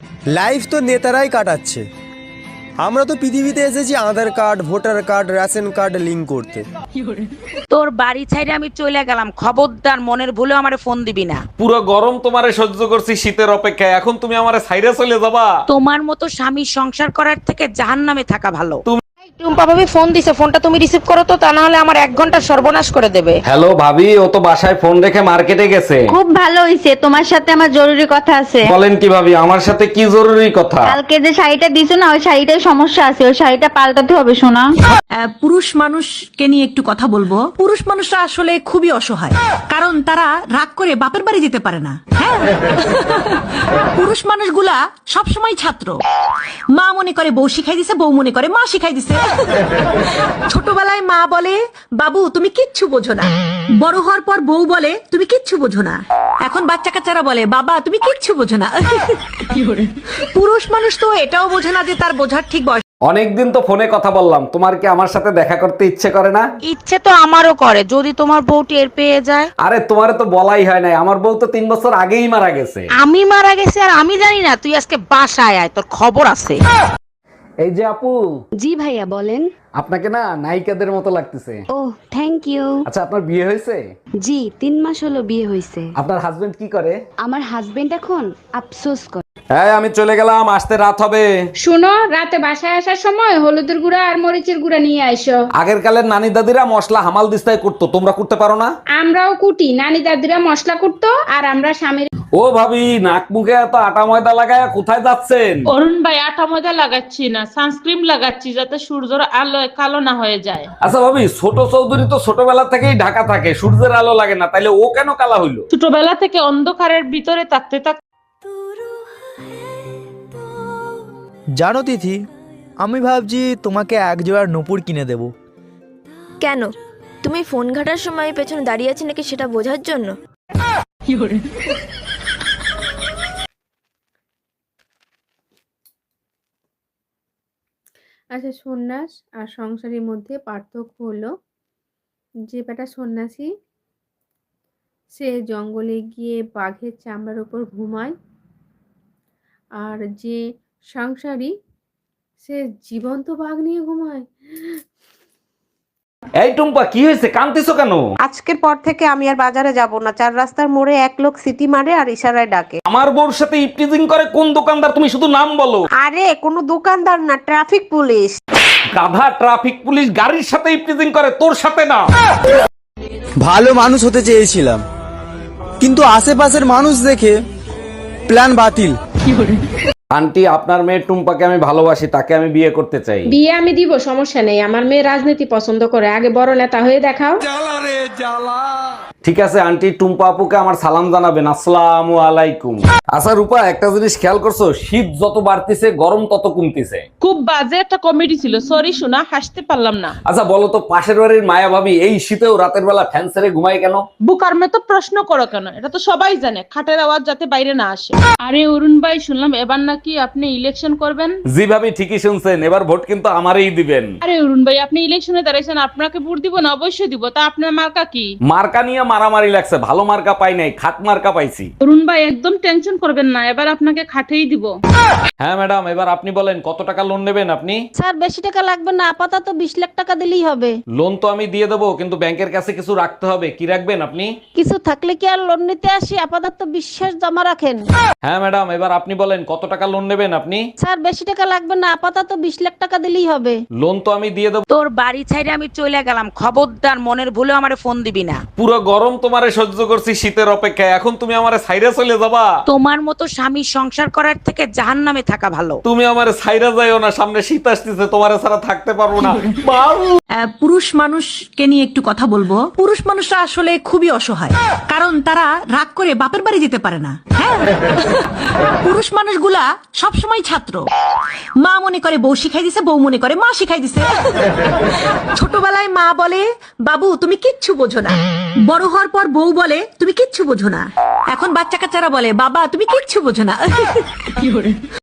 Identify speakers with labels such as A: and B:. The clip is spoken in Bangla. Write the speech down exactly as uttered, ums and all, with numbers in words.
A: লাইফ তো নেতারাই কাটাচ্ছে, আমরা তো পৃথিবীতে এসেছি Aadhaar card, voter card, ration card link করতে।
B: তোর বাড়ি ছাইরে আমি চলে গেলাম, খবরদার মনের ভুলে আমারে ফোন দিবি না।
C: পুরো গরম তোমারে সহ্য করছি শীতের অপেক্ষায়, এখন তুমি আমারে ছাইরা চলে যাবা?
B: তোমার মতো স্বামী সংসার করার থেকে জাহান্নামে থাকা ভালো। টুম্পা ভাবি ফোন দিছে, ফোনটা তুমি রিসিভ করো তো, তা না হলে আমার এক ঘন্টা সর্বনাশ করে দেবে।
C: হ্যালো ভাবি, ও তো বাসায় ফোন রেখে মার্কেটে গেছে।
D: খুব ভালো হইছে, তোমার সাথে আমার জরুরি কথা আছে।
C: বলেন কি ভাবি, আমার সাথে কি জরুরি কথা?
D: কালকে যে শাড়িটা দিছো না, ওই শাড়িটায় সমস্যা আছে, ওই শাড়িটা পাল্টাতে হবে শোনা।
E: আহ, পুরুষ মানুষকে নিয়ে একটু কথা বলবো। পুরুষ মানুষরা আসলে খুবই অসহায়, কারণ তারা রাগ করে বাপের বাড়ি যেতে পারে না। হ্যাঁ, পুরুষ মানুষগুলা সবসময় ছাত্র। মা মনে করে বউ শিখাই দিছে, বউ মনে করে মা শিখাই দিছে। ছোটবেলায় মা বলে বাবু তুমি কিচ্ছু বোঝো না, বড় হওয়ার পর বউ বলে তুমি কিচ্ছু বোঝো না। এখন বাচ্চা কাচ্চারা বলে বাবা তুমি কিচ্ছু বোঝো না। পুরুষ মানুষ তো এটাও বোঝে না যে তার বোঝার ঠিক বয়স।
C: অনেকদিন তো ফোনে কথা বললাম, তোমার কি আমার সাথে দেখা করতে ইচ্ছে করে না?
B: ইচ্ছে তো আমারও করে, যদি তোমার বউ টের পেয়ে যায়।
C: আরে তোমারে তো বলাই হয় নাই, আমার বউ তো তিন বছর আগেই মারা গেছে।
B: আমি মারা গেছি আর আমি জানি না? তুই আজকে বাসায় আয়, তোর খবর আছে।
C: এই যে আপু,
F: জি ভাইয়া বলেন।
C: আপনাকে না নায়িকাদের মতো লাগতেছে।
F: ও থ্যাংক ইউ।
C: আচ্ছা, আপনার বিয়ে হয়েছে?
F: জি তিন মাস হলো বিয়ে হয়েছে।
C: আপনার হাজবেন্ড কি করে?
F: আমার হাজবেন্ড এখন আফসোস করে।
C: হ্যাঁ, আমি চলে গেলাম, আসতে রাত হবে।
G: শুনো, রাতে বাসায় আসার সময় হলুদের গুঁড়া আর মরিচের গুঁড়া নিয়ে আইসো।
C: আগের কালের নানি দাদিরা মশলা হামাল দিস্তায় করতো, তোমরা করতে পারো না?
G: আমরাও কুটি, নানি দাদিরা মশলা কুটতো আর আমরা স্বামীর।
C: ও ভাবি, নাক মুখে এত আটা ময়দা লাগায় কোথায় যাচ্ছেন?
H: অরুণ ভাই, আটা ময়দা লাগাচ্ছি না, সানস্ক্রিন লাগাচ্ছি যাতে সূর্যের আলোয় কালো না হয়ে যায়।
C: আচ্ছা ভাবি, ছোট চৌধুরী তো ছোটবেলা থেকেই ঢাকা থাকে, সূর্যের আলো লাগে না, তাইলে ও কেন কালা হইলো?
H: ছোটবেলা থেকে অন্ধকারের ভিতরে থাকতে থাকতে
I: জানো তিথি, আমি ভাবছি তোমাকে এক জোড়া নূপুর কিনে দেব।
J: কেন? তুমি ফোন ঘাটার সময় পেছনে দাঁড়িয়ে আছি নাকি সেটা বোঝার জন্য?
K: আচ্ছা, সন্ন্যাস আর সংসারের মধ্যে পার্থক্য হলো যে বেটা সন্ন্যাসী সে জঙ্গলে গিয়ে বাঘের চামড়ার উপর ঘুমায়, আর যে সংসারী সে জীবন্ত বাঘ নিয়ে ঘুমায়।
C: এই টুম্পা, কি হয়েছে, কাঁদতেছো কেন?
B: আজকের পর থেকে আমি আর বাজারে যাব না। চার রাস্তার মোড়ে এক লোক সিটি মারে আর ইশারায় ডাকে।
C: আমার বউর সাথে ইপটিজিং করে কোন দোকানদার? তুমি শুধু নাম বলো।
B: আরে কোনো দোকানদার না, ট্রাফিক পুলিশ।
C: গাধা, ট্রাফিক পুলিশ গাড়ির সাথে ইপটিজিং করে, তোর সাথে না।
A: ভালো মানুষ হতে চেয়েছিলাম, কিন্তু আশেপাশের মানুষ দেখে প্ল্যান বাতিল।
C: আন্টি, আপনার মেয়ে টুম্পাকে আমি ভালোবাসি, তাকে আমি বিয়ে করতে চাই।
G: বিয়ে আমি দিব, সমস্যা নেই। আমার মেয়ে রাজনীতি পছন্দ করে, আগে বড় নেতা হয়ে দেখাও।
C: ঠিক আছে আন্টি, টুম্পা আপুকে আমার সালাম জানাবেন। আসসালামু আলাইকুম। আচ্ছা রূপা, একটা জিনিস খেয়াল করছো, শীত যত বাড়তিছে গরম তত কমতিছে।
H: খুব বাজে একটা কমেডি ছিল, সরি শোনা, হাসতে পারলাম না।
C: আচ্ছা বলো তো, পাশের বাড়ির মায়া ভাবি এই শীতেও রাতের বেলা ফ্যান ছেড়ে ঘুমায় কেন?
H: বুকার মে তো প্রশ্ন করো কেন, এটা তো সবাই জানে, খাটের আওয়াজ যাতে বাইরে না আসে। আরে অরুণ ভাই, শুনলাম এবার নাকি আপনি ইলেকশন করবেন।
C: জি ভাবি, ঠিকই শুনছেন, এবার ভোট কিন্তু আমারই দিবেন।
H: আরে অরুণ ভাই, আপনি ইলেকশনে দাঁড়াইছেন, আপনাকে ভোট দিব না? অবশ্যই দিব। তা আপনার মার্কা কি?
C: মার্কা নিয়ে মারামারি লাগছে, ভালো মার্কা পাই নাই, খাট মার্কা পাইছি।
H: অরুণ ভাই একদম টেনশন করবেন না, এবার আপনাকে খাটেই দিব।
C: হ্যাঁ ম্যাডাম, এবার আপনি বলেন কত টাকা লোন নেবেন আপনি?
B: স্যার বেশি টাকা লাগবে না, আপাতত বিশ লাখ টাকা দিলেই হবে।
C: লোন তো আমি দিয়ে দেবো, কিন্তু ব্যাংকের কাছে কিছু রাখতে হবে। কি রাখবেন আপনি?
B: কিছু থাকলে কি আর লোন নিতে আসি? আপাতত বিশ্বাস জমা রাখেন।
C: হ্যাঁ ম্যাডাম, এবার আপনি বলেন কত টাকা লোন নেবেন আপনি?
B: স্যার বেশি টাকা লাগবে না, আপাতত বিশ লাখ টাকা দিলেই হবে।
C: লোন তো আমি দিয়ে দেবো।
B: তোর বাড়ি ছাইরে আমি চলে গেলাম, খবরদার মনের ভুলে আমারে ফোন দিবি না।
C: পুরো গরম তোমারে সহ্য করছি শীতের অপেক্ষায়, এখন তুমি আমারে ছাইরা চলে যাবা?
B: তোমার মতো স্বামী সংসার করার থেকে জাহান্নামে থাকা ভালো।
C: তুমি আমারে ছাইরা যাইও না, সামনে শীত আসতেছে, তোমারে ছাড়া থাকতে পারবো না।
E: আহ, পুরুষ মানুষকে নিয়ে একটু কথা বলবো। পুরুষ মানুষরা আসলে খুবই অসহায়, কারণ তারা রাগ করে বাপের বাড়ি যেতে পারে না। হ্যাঁ, পুরুষ মানুষগুলা সবসময় ছাত্র। মা মনে করে বউ শিখাই দিছে, বউ মনে করে মা শিখাই দিছে। ছোটবেলায় মা বলে বাবু তুমি কিচ্ছু বোঝো না, বড় হওয়ার পর বউ বলে তুমি কিচ্ছু বোঝো না। এখন বাচ্চা কাচ্চারা বলে বাবা তুমি কিচ্ছু বোঝো না।